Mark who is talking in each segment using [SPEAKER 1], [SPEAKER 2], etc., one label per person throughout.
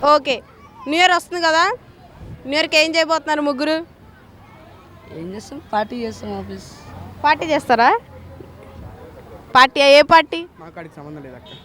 [SPEAKER 1] Okay, new year వస్తుంది కదా, new ఇయర్కి ఏం చేయబోతున్నారు ముగ్గురు?
[SPEAKER 2] ఏం చేస్తాం, పార్టీ చేస్తాం. ఆఫీస్
[SPEAKER 1] పార్టీ చేస్తారా? పార్టీ ఏ పార్టీ?
[SPEAKER 3] మాకు అడిగి సంబంధం లేదు అక్క.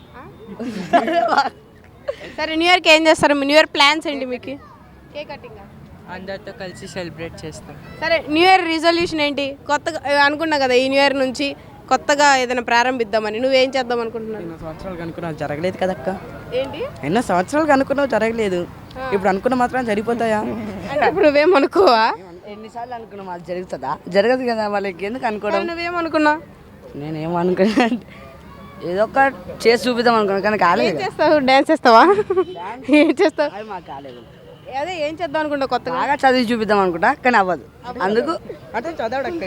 [SPEAKER 1] సరే, న్యూ ఇయర్కి ఏం చేస్తారు? న్యూ ఇయర్ ప్లాన్స్ ఏంటి మీకు? కేక్ కటింగ్
[SPEAKER 4] అందరితో కలిసి సెలబ్రేట్ చేస్తాం.
[SPEAKER 1] సరే, న్యూ ఇయర్ రిజల్యూషన్ ఏంటి? కొత్తగా అనుకున్నా కదా, ఈ న్యూ ఇయర్ నుంచి కొత్తగా ఏదైనా ప్రారంభిద్దామని. నువ్వేం చేద్దాం అనుకుంటున్నావు?
[SPEAKER 2] ఎన్నో సంవత్సరాలు అనుకున్నావు జరగలేదు కదక్క.
[SPEAKER 1] ఏంటి?
[SPEAKER 2] ఎన్నో సంవత్సరాలు అనుకున్నావు జరగలేదు, ఇప్పుడు అనుకున్న మాత్రం జరిగిపోతాయా?
[SPEAKER 1] అంటే ఇప్పుడు నువ్వేమనుకోవా?
[SPEAKER 2] ఎన్నిసార్లు అనుకున్నాం, అది జరుగుతుందా? జరగదు కదా, వాళ్ళకి ఎందుకు అనుకోవడం.
[SPEAKER 1] నువ్వేమనుకున్నావు?
[SPEAKER 2] నేనేమో అనుకున్నా, ఏదో ఒక చేసి చూపిద్దాం అనుకున్నాను కానీ కాలేదు.
[SPEAKER 1] ఏం చేస్తావు? డ్యాన్స్ చేస్తావా? ఏం చేస్తావు?
[SPEAKER 2] అది మాకు కాలేదు.
[SPEAKER 1] అదే ఏం చేద్దాం అనుకుంటావు కొత్తగా?
[SPEAKER 2] బాగా చదివి చూపిద్దాం అనుకుంటా కానీ అవ్వదు. అందుకు
[SPEAKER 3] అంటే చదవడక్క.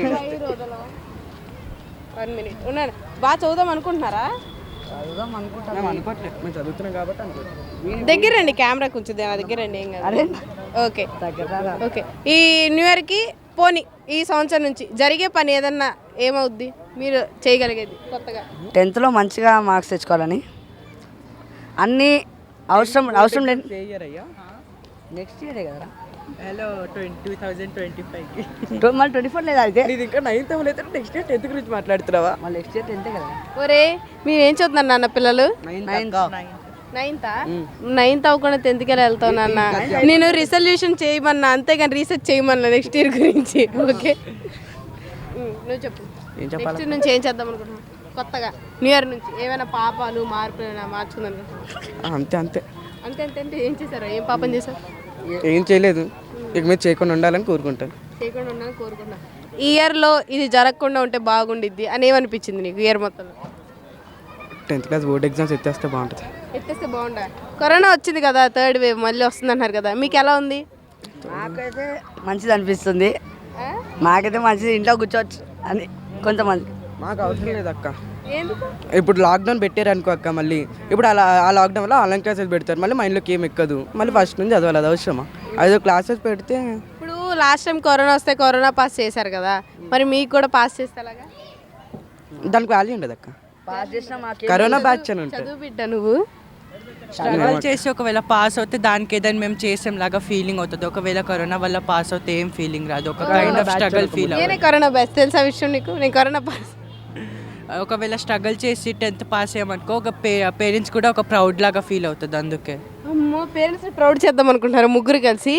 [SPEAKER 1] 1 minute ఉన్నాను. బాగా చదువుదాం అనుకుంటున్నారా?
[SPEAKER 2] చదువుదాం అనుకుంటా.
[SPEAKER 3] మేము అనుకోవట్లేదు, మేము చదువుతున్నాం కాబట్టి అనుకోవట్లేదు.
[SPEAKER 1] దగ్గర రండి, కెమెరా కొంచెం నా దగ్గర రండి. ఏం కాదు.
[SPEAKER 2] అరే
[SPEAKER 1] ఓకే
[SPEAKER 2] దగ్గర
[SPEAKER 1] ఓకే. ఈ న్యూ ఇయర్కి పోనీ ఈ సంవత్సరం నుంచి జరిగే పని ఏదన్నా ఏమవుద్ది మీరు చేయగలిగేది కొత్తగా?
[SPEAKER 2] 10th లో మంచిగా మార్క్స్ తెచ్చుకోవాలని. అన్నీ అవసరం లేదు.
[SPEAKER 3] అయ్యా
[SPEAKER 2] నెక్స్ట్ ఇయరే కదా.
[SPEAKER 4] హలో 2025కి
[SPEAKER 2] మళ్ళీ 24 లేదా అయితే?
[SPEAKER 3] నీది ఇంకా 9th అయితే నెక్స్ట్ ఇయర్ 10th గురించి మాట్లాడుతున్నావా?
[SPEAKER 2] మళ్ళీ నెక్స్ట్ ఇయర్ 10th కదా.
[SPEAKER 1] ఒరే, మీరేం చదువుతున్నారు నాన్న పిల్లలు?
[SPEAKER 2] 9th.
[SPEAKER 1] 9th అవ్వకుండా 10th వెళ్తావు నాన్న. నేను రిజల్యూషన్ చేయమన్నా, అంతేగాని రీసెర్చ్ చేయమన్నా నెక్స్ట్ ఇయర్ గురించి. ఓకే, నువ్వు చెప్పు.
[SPEAKER 3] ఏం చెప్పాలి?
[SPEAKER 1] నెక్స్ట్ నుంచి ఏం చేద్దాం అనుకుంటున్నావు కొత్తగా? న్యూ ఇయర్ నుంచి ఏమైనా పాపాలు మార్పులు ఏమైనా మార్చుకుందాం అనుకుంటున్నావు?
[SPEAKER 3] అంతే అంతే.
[SPEAKER 1] అంతే అంతే అంటే ఏం చేశారు? ఏం పాపం చేశారు?
[SPEAKER 3] ఏం చేయలేదు, ఇక మీరు చేయకుండా ఉండాలని కోరుకుంటాను.
[SPEAKER 1] చేయకుండా ఉండాలని కోరుకున్నా. ఈ ఇయర్లో ఇది జరగకుండా ఉంటే బాగుండిద్ది అని ఏమనిపించింది నీకు ఇయర్ మొత్తంలో?
[SPEAKER 3] 10th క్లాస్ బోర్డ్ ఎగ్జామ్స్ ఎత్తేస్తే బాగుంటుంది.
[SPEAKER 1] ఎత్తేస్తే బాగుండా. కరోనా వచ్చింది కదా, 3rd వేవ్ మళ్ళీ వస్తుంది అన్నారు కదా, మీకు ఎలా ఉంది?
[SPEAKER 2] నాకైతే మంచిది అనిపిస్తుంది. మాకైతే మంచిది, ఇంట్లో కూర్చోవచ్చు అని కొంతమంది.
[SPEAKER 3] మాకు అవసరం లేదు అక్క.
[SPEAKER 1] ఎందుకు?
[SPEAKER 3] ఇప్పుడు లాక్డౌన్ పెట్టారు అనుకో అక్క, మళ్ళీ ఇప్పుడు ఆ లాక్డౌన్ వల్ల ఆన్లైన్ క్లాసెస్ పెడతారు, మళ్ళీ మైండ్లోకి ఏం ఎక్కదు, మళ్ళీ ఫస్ట్ నుంచి చదవాలి. అది అవసరమా? అదో క్లాసెస్ పెడితే.
[SPEAKER 1] ఇప్పుడు లాస్ట్ టైం కరోనా వస్తే కరోనా పాస్ చేశారు కదా, మరి మీకు కూడా పాస్ చేస్తే అలాగా?
[SPEAKER 3] దానికి వాల్యూ ఉండదు అక్క.
[SPEAKER 2] పాస్ చేసిన
[SPEAKER 3] కరోనా బ్యాచ్ అని ఉంటుంది.
[SPEAKER 1] చదువు బిడ్డ నువ్వు.
[SPEAKER 4] స్ట్రగల్ చేసి ఒకవేళ పాస్ అవుతే దానికి ఏదైనా మేము చేసాం లాగా ఫీలింగ్ అవుతుంది. ఒకవేళ కరోనా వల్ల పాస్ అవుతే ఏం ఫీలింగ్ రాదు, ఒక కైండ్ ఆఫ్ స్ట్రగల్ ఫీల్
[SPEAKER 1] నేనే కరోనా బ్యాచ్, తెలుసా విషయం నీకు? నేను కరోనా పాస్.
[SPEAKER 4] ఒకవేళ స్ట్రగల్ చేసి 10th పాస్ అయ్యామనుకో, ఒక పేరెంట్స్ కూడా ఒక ప్రౌడ్ లాగా ఫీల్ అవుతుంది. అందుకే
[SPEAKER 1] అమ్మో, పేరెంట్స్ ప్రౌడ్ చేద్దాం అనుకుంటున్నారు ముగ్గురు కలిసి.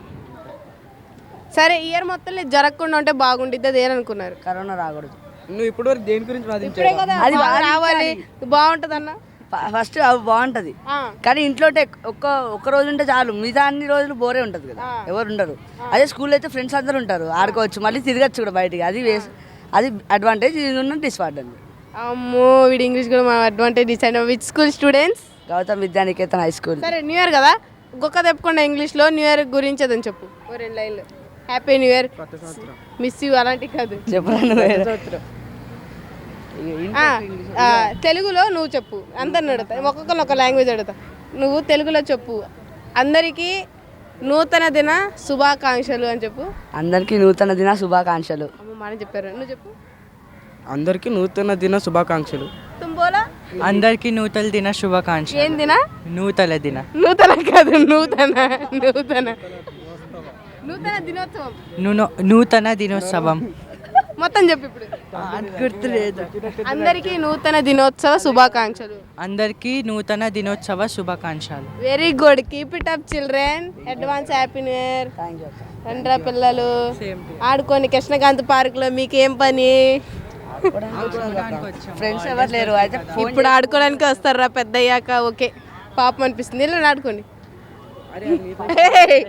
[SPEAKER 1] సరే, ఇయర్ మొత్తం జరగకుండా ఉంటే బాగుండిద్ది, అది ఏమనుకున్నారు?
[SPEAKER 2] కరోనా రాకూడదు.
[SPEAKER 3] నువ్వు ఇప్పుడు వరకు దేని గురించి
[SPEAKER 1] ఇప్పుడే
[SPEAKER 3] వాదించావు?
[SPEAKER 1] కదా
[SPEAKER 2] అది
[SPEAKER 1] బాగా రావాలి, బాగుంటుంది అన్న.
[SPEAKER 2] ఫస్ట్ అవి బాగుంటుంది కానీ ఇంట్లో ఒక్క రోజు ఉంటే చాలు, మిగతా అన్ని రోజులు బోరే ఉంటుంది కదా, ఎవరు ఉండరు. అదే స్కూల్లో అయితే ఫ్రెండ్స్ అందరూ ఉంటారు, ఆడుకోవచ్చు, మళ్ళీ తిరగచ్చు కూడా బయటికి. అది అడ్వాంటేజ్, ఇది ఉన్న డిస్అడ్వాంటేజ్.
[SPEAKER 1] అమ్మో, వీడి ఇంగ్లీష్ కూడా మా అడ్వాంటేజ్ ఇచ్చాను. Which school students?
[SPEAKER 2] Gautam Vidyaniketan high school.
[SPEAKER 1] సరే, న్యూ ఇయర్ కదా, గొక్క తెప్పకుండా ఇంగ్లీష్లో న్యూ ఇయర్ గురించి అదని చెప్పు, ఓ 2 లైన్లు. Happy new year, miss you అలాంటివి కాదు.
[SPEAKER 2] చెప్పరాను.
[SPEAKER 1] తెలుగులో నువ్వు చెప్పు, అందరిని అడుగుతా, ఒక్కొక్కరిని ఒక లాంగ్వేజ్ అడుగుతా. నువ్వు తెలుగులో చెప్పు, అందరికీ నూతన దిన శుభాకాంక్షలు అని చెప్పు.
[SPEAKER 2] అందరికీ నూతన దిన శుభాకాంక్షలు.
[SPEAKER 1] అమ్మ మాట చెప్పారు, నువ్వు చెప్పు.
[SPEAKER 3] అందరికీ నూతన దిన శుభాకాంక్షలు.
[SPEAKER 1] తుమ్ బోలా.
[SPEAKER 4] అందరికీ నూతన దిన శుభాకాంక్షలు.
[SPEAKER 1] ఏం దిన?
[SPEAKER 4] నూతన దిన.
[SPEAKER 1] నూతన కాదు, నూతన నూతన నూతన దినోత్సవం.
[SPEAKER 4] నూతన దినోత్సవం
[SPEAKER 1] మొత్తం చెప్పు ఇప్పుడు.
[SPEAKER 4] గుర్తులేదు.
[SPEAKER 1] అందరికీ నూతన దినోత్సవ శుభాకాంక్షలు.
[SPEAKER 4] అందరికీ నూతన దినోత్సవ శుభాకాంక్షలు.
[SPEAKER 1] Very good, keep it up children. Advance happy new year. రండ్రా పిల్లలు, ఆడుకోండి కృష్ణకాంత్ పార్క్ లో. మీకేం పని?
[SPEAKER 2] ఫ్రెండ్స్ ఎవరు లేరు అయితే
[SPEAKER 1] ఇప్పుడు ఆడుకోవడానికి వస్తారా పెద్ద అయ్యాక? ఓకే, పాపం అనిపిస్తుంది, ఇలా ఆడుకోండి.